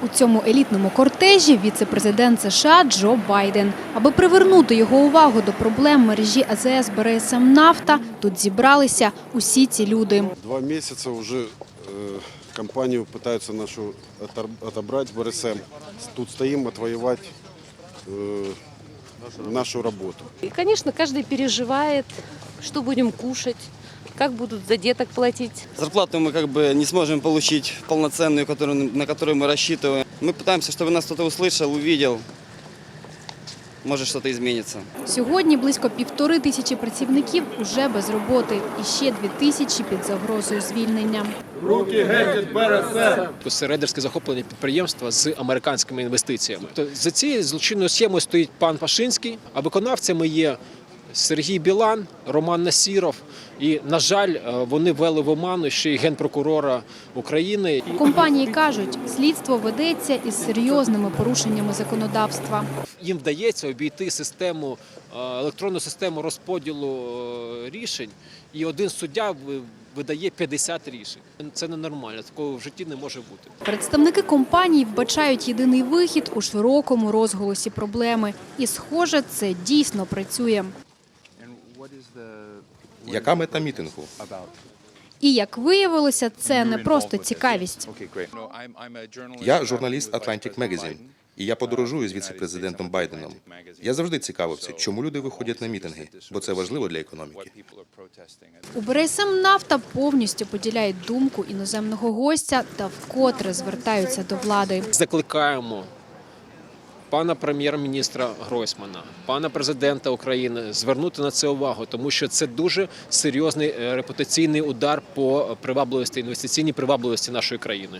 У цьому елітному кортежі віце-президент США Джо Байден. Аби привернути його увагу до проблем мережі АЗС БРСМ «Нафта», тут зібралися усі ці люди. 2 месяца уже компанию пытаются нашу отобрать БРСМ. Тут стоим отвоевать нашу работу. И, конечно, каждый переживает, что будем кушать, как будут за деток платить. Зарплату мы не сможем получить полноценную, на которую мы рассчитываем. Мы пытаемся, чтобы нас кто-то услышал, увидел. Може, щось зміниться. Сьогодні близько 1500 працівників уже без роботи і ще 2000 під загрозою звільнення. Руки геть від БРСМ! Рейдерське захоплення підприємства з американськими інвестиціями. За цією злочинною схемою стоїть пан Пашинський, а виконавцями є Сергій Білан, Роман Насіров. І, на жаль, вони ввели в оману ще й генпрокурора України. У компанії кажуть, слідство ведеться із серйозними порушеннями законодавства. Їм вдається обійти електронну систему розподілу рішень, і один суддя видає 50 рішень. Це ненормально, такого в житті не може бути. Представники компанії вбачають єдиний вихід у широкому розголосі проблеми. І, схоже, це дійсно працює. Яка мета мітингу? І, як виявилося, це не просто цікавість. Я журналіст Atlantic Magazine, і я подорожую з віце-президентом Байденом. Я завжди цікавився, чому люди виходять на мітинги, бо це важливо для економіки. У БРСМ «Нафта» повністю поділяють думку іноземного гостя та вкотре звертаються до влади. Закликаємо пана прем'єр-міністра Гройсмана, пана президента України звернути на це увагу, тому що це дуже серйозний репутаційний удар по привабливості, інвестиційній привабливості нашої країни.